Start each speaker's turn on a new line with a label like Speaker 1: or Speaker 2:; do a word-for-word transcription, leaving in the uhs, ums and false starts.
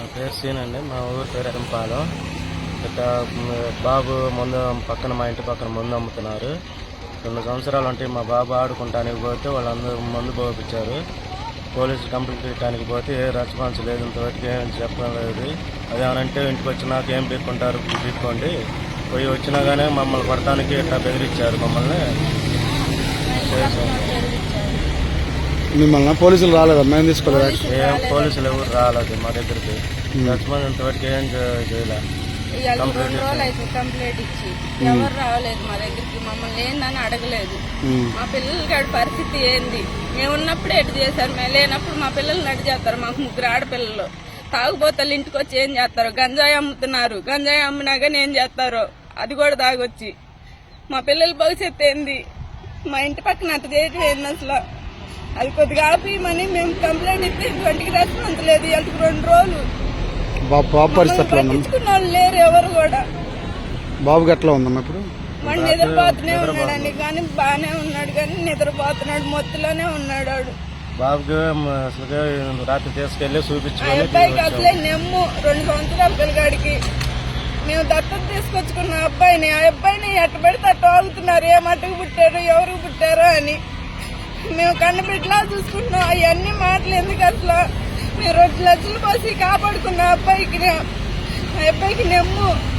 Speaker 1: పేరు సీన్ అండి. మా ఊరు పేరు ఎరంపాలెం. ఇట్లా బాబు ముందు పక్కన మా ఇంటి పక్కన ముందు అమ్ముతున్నారు. రెండు సంవత్సరాలు అంటే మా బాబు ఆడుకుంటానికి పోతే వాళ్ళందరూ మందు పోపించారు. పోలీసు కంప్లైంట్ ఇవ్వడానికి పోతే ఏ రెస్పాన్స్ లేదు, ఇంతవరకు ఏం చెప్పలేదు. అదేమనంటే ఇంటికి వచ్చినాక ఏం పీక్కుంటారు పీక్కోండి, పోయి వచ్చినా కానీ మమ్మల్ని కొడటానికి ఇట్లా బెదిరించారు. మమ్మల్ని
Speaker 2: మిమ్మల్ని పోలీసులు రాలేదా? మేము తీసుకోలేదు.
Speaker 1: ఏం పోలీసులు ఎవరు రాలేదు మా దగ్గరికి. రెస్పాన్స్ ఇంతవరకు ఏం చేయలేదు.
Speaker 3: రెండు రోజులు అయితే కంప్లైంట్ ఇచ్చి ఎవరు రావలేదు మా దగ్గరికి. మమ్మల్ని ఏందని అడగలేదు. మా పిల్లల కాడి పరిస్థితి ఏంది, మేము ఉన్నప్పుడు ఎటు చేశారు, మేము లేనప్పుడు మా పిల్లలు నడి చేస్తారు. మాకు ముగ్గురు ఆడపిల్లలు తాగుబోతలు ఇంటికి వచ్చి ఏం చేస్తారు, గంజాయి అమ్ముతున్నారు. గంజాయి అమ్మినా కానీ ఏం చేస్తారో అది కూడా తాగొచ్చి. మా పిల్లల భవిష్యత్తు ఏంది, మా ఇంటి పక్కన అట్ట చేయటం ఏంది అసలు. అది కొద్దిగా ఆపేయమని మేము కంప్లైంట్ ఇస్తే ఇంటికి రెస్పాన్స్ లేదు. ఇవాళకి రెండు రోజులు పట్టించుకున్న వాళ్ళు లేరు ఎవరు కూడా.
Speaker 2: బాబుకి ఎట్లా ఉందమ్మా ఇప్పుడు?
Speaker 3: వాడు నిద్రపోతూనే ఉన్నాడండి, కానీ బాగానే ఉన్నాడు, కానీ నిద్రపోతున్నాడు, మొత్తులోనే ఉన్నాడు. వాడు
Speaker 1: బాబుకి అసలు రాత్రి తీసుకెళ్లి చూపించుకొని
Speaker 3: అబ్బాయికి అసలే నెమ్ము రెండు సంవత్సరాల పిల్లగాడికి. మేము దత్తత తీసుకొచ్చుకున్న అబ్బాయిని, ఆ అబ్బాయిని ఎట్ట పెడితే అట్ట ఆగుతున్నారు. ఏ మట్టుకు పుట్టారు, ఎవరికి పుట్టారో అని మేము కన్నబిడ్డలా చూసుకుంటున్నాం. అవన్నీ మాటలు ఎందుకు అసలు. మేము రెండు లక్షలు పోసి కాపాడుకున్న అబ్బాయికి, ఆ అబ్బాయికి నెమ్ము